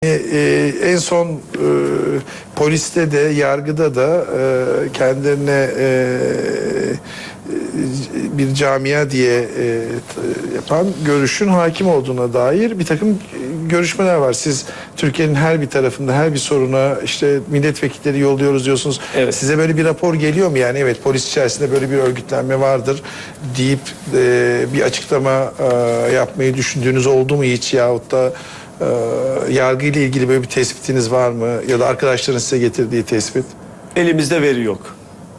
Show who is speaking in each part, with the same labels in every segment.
Speaker 1: En son poliste de yargıda da kendilerine bir camia diye yapan görüşün hakim olduğuna dair bir takım görüşmeler var. Siz Türkiye'nin her bir tarafında her bir soruna işte milletvekilleri yolluyoruz diyorsunuz.
Speaker 2: Evet.
Speaker 1: Size böyle bir rapor geliyor mu? Yani evet, polis içerisinde böyle bir örgütlenme vardır deyip bir açıklama yapmayı düşündüğünüz oldu mu hiç, yahut da yargı ile ilgili böyle bir tespitiniz var mı? Ya da arkadaşların size getirdiği tespit?
Speaker 2: Elimizde veri yok.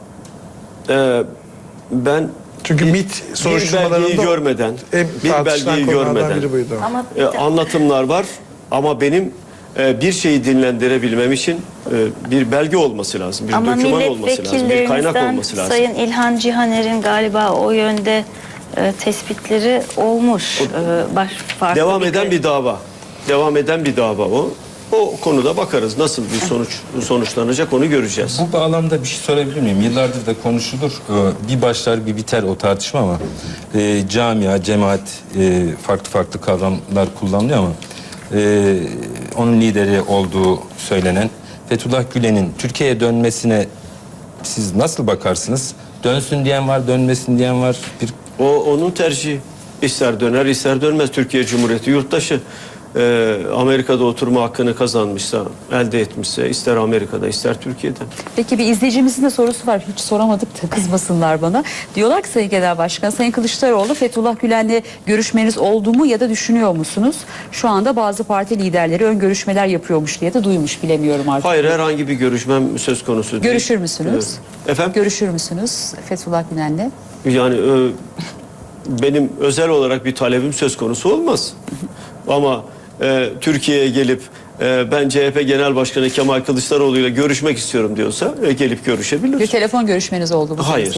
Speaker 2: Ben
Speaker 1: Çünkü MİT
Speaker 2: bir
Speaker 1: soruşturmalarında
Speaker 2: belgeyi görmeden,
Speaker 1: bir belgeyi görmeden
Speaker 2: biri
Speaker 1: buydu.
Speaker 3: Ama
Speaker 2: anlatımlar var ama benim bir şeyi dinlendirebilmem için bir belge olması lazım, bir
Speaker 3: ama
Speaker 2: doküman olması lazım, bir kaynak olması lazım.
Speaker 3: Sayın İlhan Cihaner'in galiba o yönde tespitleri olmuş.
Speaker 2: Devam eden bir dava. Devam eden bir dava o. O konuda bakarız nasıl bir sonuçlanacak, onu göreceğiz.
Speaker 4: Bu bağlamda bir şey sorabilir miyim? Yıllardır da konuşulur. Bir başlar bir biter o tartışma ama camia, cemaat farklı farklı kavramlar kullanılıyor ama onun lideri olduğu söylenen Fethullah Gülen'in Türkiye'ye dönmesine siz nasıl bakarsınız? Dönsün diyen var, dönmesin diyen var.
Speaker 2: O onun tercihi. İster döner ister dönmez. Türkiye Cumhuriyeti yurttaşı. Amerika'da oturma hakkını kazanmışsa, elde etmişse, ister Amerika'da ister Türkiye'de.
Speaker 5: Peki bir izleyicimizin de sorusu var. Hiç soramadık da kızmasınlar bana. Diyorlar ki Sayın Genel Başkan, Sayın Kılıçdaroğlu Fethullah Gülen'le görüşmeniz oldu mu ya da düşünüyor musunuz? Şu anda bazı parti liderleri ön görüşmeler yapıyormuş diye de duymuş, bilemiyorum artık.
Speaker 2: Hayır, herhangi bir görüşmem söz konusu değil.
Speaker 5: Görüşür müsünüz?
Speaker 2: Efendim?
Speaker 5: Görüşür müsünüz Fethullah Gülen'le?
Speaker 2: Yani benim özel olarak bir talebim söz konusu olmaz. Ama Türkiye'ye gelip ben CHP Genel Başkanı Kemal Kılıçdaroğlu ile görüşmek istiyorum diyorsa gelip görüşebilir.
Speaker 5: Bir telefon görüşmeniz oldu mu?
Speaker 2: Hayır.